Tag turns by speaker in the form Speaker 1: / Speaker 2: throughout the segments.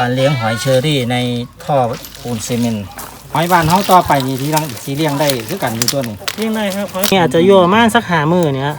Speaker 1: การเลี้ยงหอยเชอรี่ในท่อปูนซีเมนต์หอยบ้านเฮาต่อไปนี่ที่รังสีเลี้ยงได้คือกันอยู่ตัวนี้
Speaker 2: เลี้ยงได้ครับนี่อาจจะโยมากสัก5 มื้อเนี่ย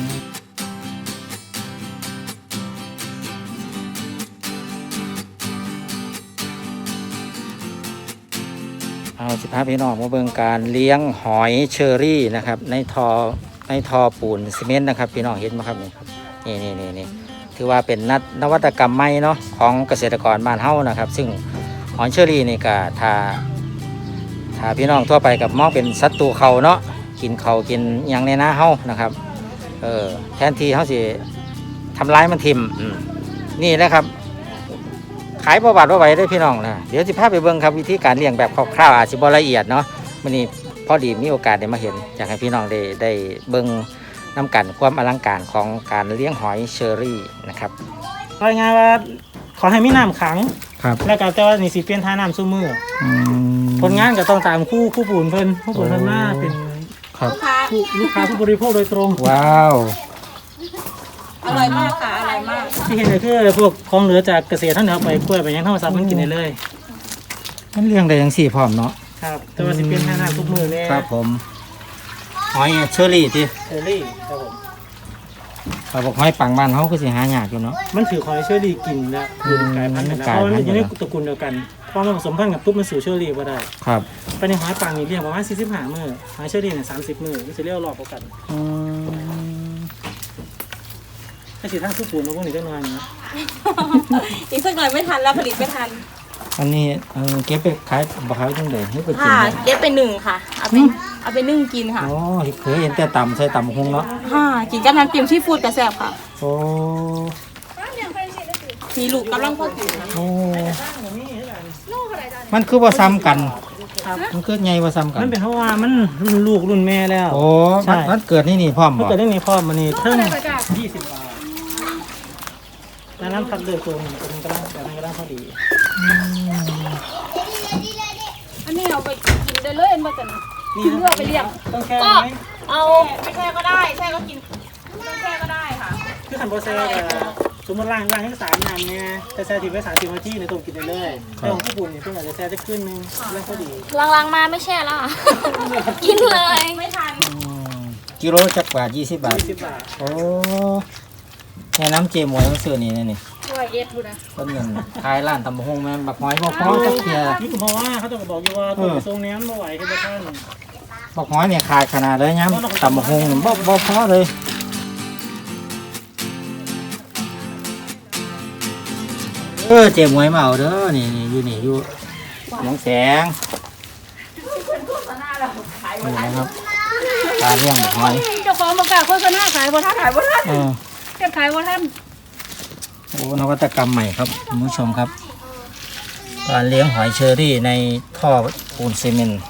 Speaker 1: เอาสิพาพี่น้องมาเบิ่งการเลี้ยงหอยเชอรี่นะครับในท่อปูนซีเมนต์นะครับพี่น้องเห็นไหมครับนี่ถือว่าเป็นนวัตกรรมใหม่เนาะของเกษตรกรบ้านเฮานะครับซึ่งหอยเชอรี่นี่ก็ถ้าพี่น้องทั่วไปกับมองเป็นศัตรูเขาเนาะกินเขากินอย่างในนาเฮานะครับแทนที่เฮาสิทำร้ายมันทิ่มนี่แหละครับขายประวัติว่าไว้ได้พี่น้องนะเดี๋ยวสิพาไปเบิ่งครับวิธีการเลี้ยงแบบคร่าวๆอาจจะบ่ละเอียดเนาะมื้อนี้พอดีมีโอกาสได้มาเห็นอยากให้พี่น้องได้เบิ่งน้ำกันความอลังการของการเลี้ยงหอยเชอรี่นะครับ
Speaker 2: รายงานว่าขอให้มีน้ำขัง
Speaker 1: ครับ
Speaker 2: แล้วก็แต่ว่านี่สิเปลี่ยนท่าน้ำซุมือผลงานก็ต้องตามคู่ปูนเพิ่นผู้ปูนเพิ่นมาเป็นลูกค้าผู้บริโภคโดยตรง
Speaker 1: ว้าว
Speaker 3: อร่อยมากค่ะอร่อยมาก
Speaker 2: ที่เห็นก็คือพวกของเหลือจากเกษตรท่านเอาไปกล้วยไปยังธรรมชาติมันกินได้เลย
Speaker 1: มันเลี้ยงได้จังซี่พร้อมเนาะ
Speaker 2: ครับแต่ว่าสิเปลี่ยนท่าน้ำทุกมือเนี่ย
Speaker 1: ครับผมหอยเชอรี่ที่
Speaker 2: เชอรี่ครับผม
Speaker 1: เราบอกหอยปังบ้านเขาคือสิหายากอยู่เนาะ
Speaker 2: มันถือหอยเชอรี่กินนะอยู่ในกายพันธุ์นะเพราะมันอยู่ในตระกูลเดียวกันพอมันผสมพันธุ์กับปุ๊บมันสู่เชอรี่ก็ได้
Speaker 1: ครับ
Speaker 2: ไปในหอยปังนี่เรียกประมาณ45 มื้อหอยเชอรี่เนี่ย30 มื้อมันจะเรียกรอบกันถ้าสิทั้งทุกปูนมาพวกนี้ก็นอนนะ
Speaker 3: อีกสักหน่อยไม่ทันแล้วผลิตไม่ทัน
Speaker 1: อันนี้เก็บไปขายบ่ขายจังได๋ให้ไปกิน
Speaker 3: เก็บไป1ค่ะเอาไปนึ่งกินค่ะ
Speaker 1: อ๋อเคยเห็นแต่ตำใส่ตำคงเนาะ
Speaker 3: กินกับน้ำจิ้มซีฟู้ดกระแซ่บค่ะ
Speaker 1: โอ้
Speaker 3: มีลูกกำลังพอกิน
Speaker 1: โอ้มันคือว่าซ้ำกันมันคือไงว่าซ้ำกัน
Speaker 2: มันเป็นเพราะว่ามันรุ่นลูกรุ่นแม่แล้ว
Speaker 1: โอ้มันเกิดนี่พร้อม
Speaker 2: มันเกิดนี่พร้อมมันนี่เพิ่ม20 บาทแล้วน้ำพักเดือดตัวนึงกำลังพอดี
Speaker 3: อันนี้เอาไปกินได้เลยมาจากนี่เลือกไปเรียก
Speaker 2: ต้องแช่ไหม
Speaker 3: เอาไม่แช่ก็ได้แช่ก็กินไม่แช่ก็ได้ค่ะ
Speaker 2: คือขันโบแซ่สมมติล้างให้3 น้ำเนี่ยจะแช่ทิ้งไว้30 นาทีในตัวกินได้เลยแต่ของญี่ปุ่นเนี่ยเพิ่งอาจจะแช่ได้ขึ้นนึงแล้วพอดี
Speaker 3: ล้างมาไม่แช่แล้วกินเลยไม่ทัน
Speaker 1: กิโลจักบาท20 บาทโอ้แค่น้ำเจมวยมันซื้อนี่นี่
Speaker 3: ดูนะ
Speaker 1: ต้นเงินขายร้านตำบักหุ่งแม่บักหอยบ่พอจักเที่ย
Speaker 2: นี่ก็เพราะว่าเขาต้องบอกอยู่ว่าตัวทรงนี้มันบ่ไหวคือบ่ทัน
Speaker 1: บักหอยเนี่ยขาดขนาดเลยย้ำตำบักหุ่งบ่พอเลยเจมวยมาเอาเด้อนี่อยู่น้องแสงนี่นะครับการเลี้ยงบักหอย
Speaker 3: เจ้าของบอกกล้าโฆษณาขายบ่ทันเก็บขายบ่ทัน
Speaker 1: โอ้นวัตกรรมใหม่ครับคุณผู้ชมครับการเลี้ยงหอยเชอรี่ในท่อปูนซีเมนต์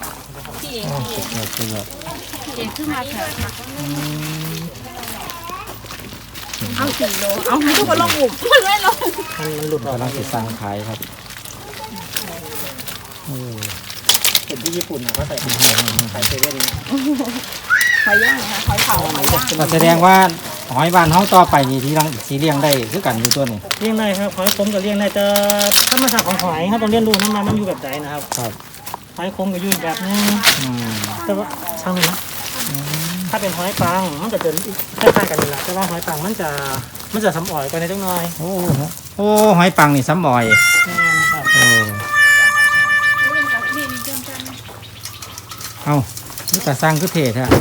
Speaker 3: เอา4 โลเอาให้ทุกคนลองอุ่มมันไม่ลง
Speaker 1: มันหลุดกำลังจะสร้างขายครับ
Speaker 2: เห็นที่ญี่ปุ่นเขาใส่ขายเซเว่น
Speaker 3: หอยย่างค่ะหอยเผาหอยย่าง
Speaker 1: แสดงว่าหอยบ้านเฮาต่อไปนี่ที่รังสีเลี้ยงได้คือกันอยู่ตัวนี้
Speaker 2: เลี้ยงได้ครับหอยคมกับเลี้ยงได้แต่ธรรมชาติของหอยครับต้องเรียนรู้มันอยู่แบบไหนนะครับหอยคมกับอยู่แบบนึงแต่ว่าช่างเลยนะถ้าเป็นหอยปังมันจะเป็นคล้ายๆกันนี่แหละแต่ว่าหอยปังมันจะซ้ำอ่อยไปในจังหน่อย
Speaker 1: โอ้หอยปังนี่ซ้ำอ่อยเอานี่แต่สร้างคือเทศฮะ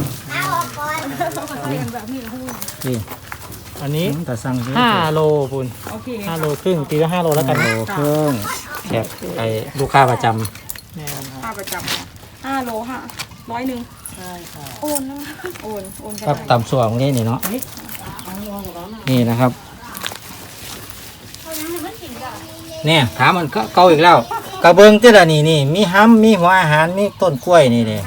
Speaker 1: นี่
Speaker 2: อันนี้
Speaker 1: แต่สั่ง
Speaker 2: 5 โลคุณ5 โลครึ่งตีว่า5 โลแล้วกัน
Speaker 1: 5 โลครึ่งแขกไอ้ลูกค้าประจ
Speaker 3: ำค่าประจำ5 โลค่ะ100ใช่ค่ะโอนนะโอน
Speaker 1: กับตำส่วนนี้นี่เนาะนี่นะครับเนี่ยถามมันเก่าอีกแล้วกระเบื้องที่ละนี่มีห้ำมีหัวอาหารมีต้นกล้วยนี่นี่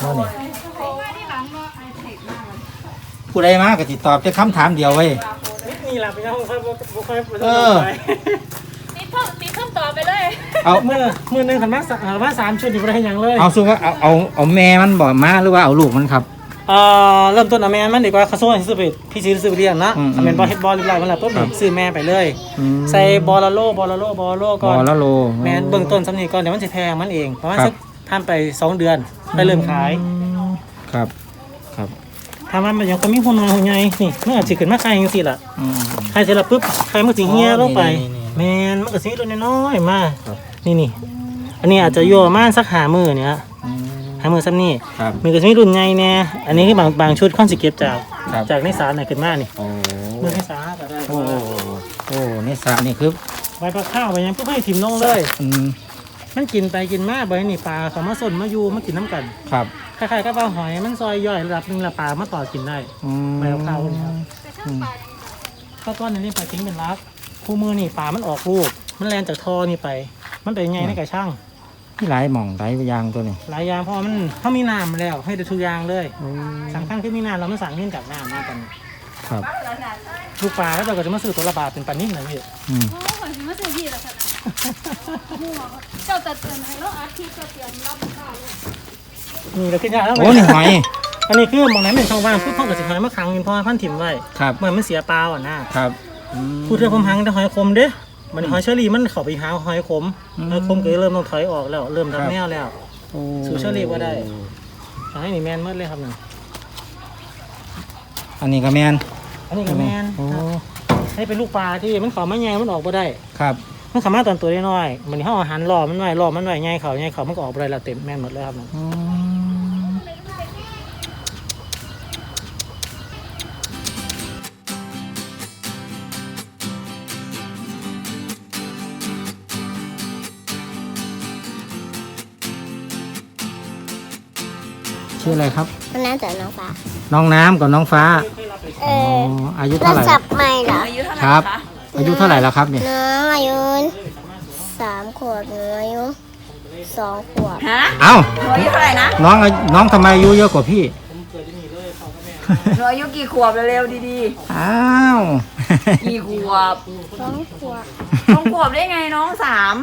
Speaker 1: ผู้ใดมาก็ติดตอบจะคำถามเดียวไว้
Speaker 2: นี่แหละเป็นยังค่อย
Speaker 3: มีเพิ่มต่อไปเลย
Speaker 2: เอามือนึงขันมา3 ชุดอยู่ได้ยังเลย
Speaker 1: เอาสู้ว่าเอาแม่มันบ่มาหรือว่าเอาลูกมันครับ
Speaker 2: เริ่มต้นเอาแม่มันดีกว่าเขาส่งให้ซื้อไปพี่ซื้อไปเลี้ยงนะเอาแม่นบอลเฮ็ดบอลเรียบร้อยมันแล้วปุ๊บนี่ซื้อแม่ไปเลยใส่บอลละโลก่อน
Speaker 1: บอลละโล
Speaker 2: แม่นเบื้องต้นสำนีก่อนเดี๋ยวมันจะแพงมันเองประมาณสักทำไป2 เดือนไปเริ่มขาย
Speaker 1: ครับครับ
Speaker 2: ทำมันยังก็มีหุ่นหัวใหญ่นี่มันอาจจะขึ้นมาขายจังซี่ล่ะขายเสร็จแล้วปุ๊บไข่มันสิเหี่ยลงไปแม่นมันก็สิตัวน้อยๆมานี่อันนี้อาจจะอยู่ประมาณสัก5 มื้อเนี่ย5 มื้อซ้ำนี่มันก็สิมีรุ่นใหญ่แน่อันนี้คือบางชุดค่อนสิเก็บจากในสารน่ะขึ้นมานี่มื้อในสารก็ได้
Speaker 1: โอ้นี่สระนี่คือ
Speaker 2: ใบปลาข้าวไปยังปุ๊บให้ถิ่มลงเลยมันกินไปกินมาใบนี่ปลาเขามาสนมาอยู่มากินน้ำกัน
Speaker 1: ครับ
Speaker 2: คล้ายๆกับปลาหอยมันซอยย่อยระดับนึงละปลามาต่อกินได้ใบปลาข้าวนี่ครับก็ต้นนี้ปลาทิ้งเป็นรักคู่มือนี่ปลามันออกลูกมันแลนจากทอนี่ไปมันเป็นไงในกระช่าง
Speaker 1: ที่หลายหม่องหลายยางตัวนี้
Speaker 2: หลายอย่างเพราะมันเขามีน้ำแล้วให้ได้ทุกอย่างเลยสำคัญคือมีน้ำเราไม่สั่งเงื่อนกับน้ำมากัน
Speaker 1: ครับ
Speaker 2: ลูกปลาแล้วเราก็จะมาซื้อตัวละบาทเป็นปลานิ่มนะพี่
Speaker 3: โอ้ยมาซื้อที่แล้วค่ะเจ้าแต่เตือนให้เราอาทิตย์จะเตรียมรับข้าว
Speaker 2: นี่เราขึ้นยากแล้ว
Speaker 1: โอ้นี่หอย
Speaker 2: อันนี้คือมองไหนเป็นช่องว่างพูดพ่อกับสิหอยมาขังกินพ่อพันถิ่มไว้
Speaker 1: ครับ
Speaker 2: เหมือนมันเสียปลาอ่ะนะครับ
Speaker 1: อืม
Speaker 2: พูดเรื่องผมหังแต่หอยคมเด้มันหอยเชอรี่มันเข้าไปหาหอยขมหอยคมก็เริ่มต้องถอยออกแล้วเริ่มทำแนวแล้ว
Speaker 1: โอ้
Speaker 2: สูเชอรี่ว่าได้ให้นี่แมนเมื่อเลยครับนั่น
Speaker 1: อันนี้ก็แมน
Speaker 2: อันนี้ก็แมน
Speaker 1: โอ้
Speaker 2: ให้เป็นลูกปลาที่มันเข้ามาแยงมันออกมาได้
Speaker 1: ครับ
Speaker 2: มันสามารถตอนตัวได้น้อยมันเขาอาหารรอมันไว้แยงเขามันก็ออกมาได้แล้วเต็มแมนหมดเลยครับนั่น
Speaker 1: อืมชื่ออะไรครับ
Speaker 4: มันน่าจะน้องฟ้า
Speaker 1: น้องน้ำกับน้องฟ้าอ๋ออายุ
Speaker 4: เรา
Speaker 1: เท่าไหร่
Speaker 4: สับใหม่เหรอ
Speaker 1: ครับ อายุเท่าไหร่แล้วครับเนี่ย
Speaker 4: น้องอายุ3 ขวบหนูอายุ2 ขวบ
Speaker 3: ฮะ
Speaker 1: เอ้า
Speaker 3: หนูอายุเท่าไหร่นะ
Speaker 1: น้องทำไมอายุเยอะกว่าพี่
Speaker 3: หนูอายุกี่ขวบเร็วๆดี
Speaker 1: อ้าว
Speaker 3: ๆกี่ขวบ
Speaker 4: 2 ขวบ
Speaker 3: น้องขวบได้ไงน้อง3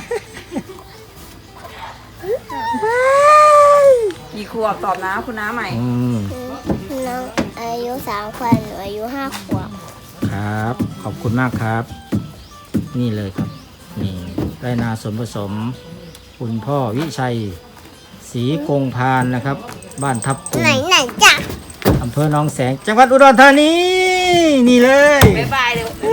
Speaker 3: กี่ขวบตอบนะคุณน้าใหม่
Speaker 1: อืม
Speaker 4: น้องอายุ3 ขวบหนูอายุ5 ขวบ
Speaker 1: ครับ ขอบคุณมากครับ นี่เลยครับ นี่ไรนาส่วนผสม คุณพ่อวิชัยศรีกงพานนะครับ บ้านทับกุง
Speaker 4: ไหนจ้ะ
Speaker 1: อำเภอหนองแสง จังหวัดอุดรธานี นี่เลย
Speaker 3: บ๊ายบายเลย